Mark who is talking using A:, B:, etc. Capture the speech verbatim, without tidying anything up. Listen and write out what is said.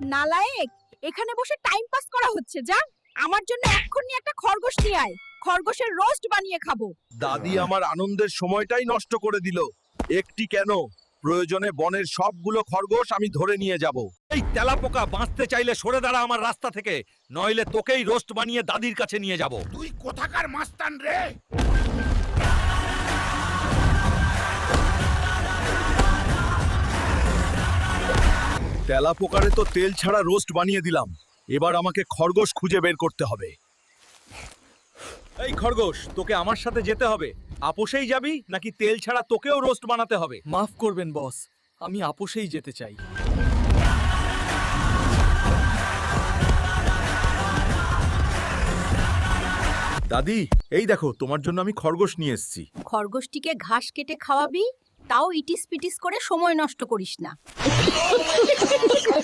A: নালায়েক, এখানে বসে time pass করা হচ্ছে। যা, আমার জন্য এক্ষুনি একটা খরগোশ নিয়ে আয়। খরগোশের রোস্ট বানিয়ে খাবো।
B: দাদি আমার আনন্দের সময়টাই নষ্ট করে দিল। একটি কেন, প্রয়োজনে বনের সবগুলো খরগোশ আমি ধরে নিয়ে যাব। এই তেলাপোকা, বাঁচতে চাইলে সরে দাঁড়া আমার রাস্তা থেকে, নইলে তোকেই রোস্ট বানিয়ে দাদির কাছে নিয়ে যাব।
C: তুই কোথাকার মাস্তান রে?
B: তেলাপোকারে তো তেল ছাড়া রোস্ট বানিয়ে দিলাম, এবার আমাকে খরগোশ খুঁজে বের করতে হবে। এই খরগোশ, তোকে আমার সাথে যেতে হবে। আপোষেই যাবি নাকি তেল ছাড়া তোকেও রোস্ট বানাতে হবে?
D: মাফ করবেন বস, আমি আপোষেই যেতে চাই।
B: দাদি, এই দেখো, তোমার জন্য আমি খরগোশ নিয়ে এসেছি।
A: খরগোশটিকে ঘাস কেটে খাওয়াবি, তাও ইটিস পিটিস করে সময় নষ্ট করিস না।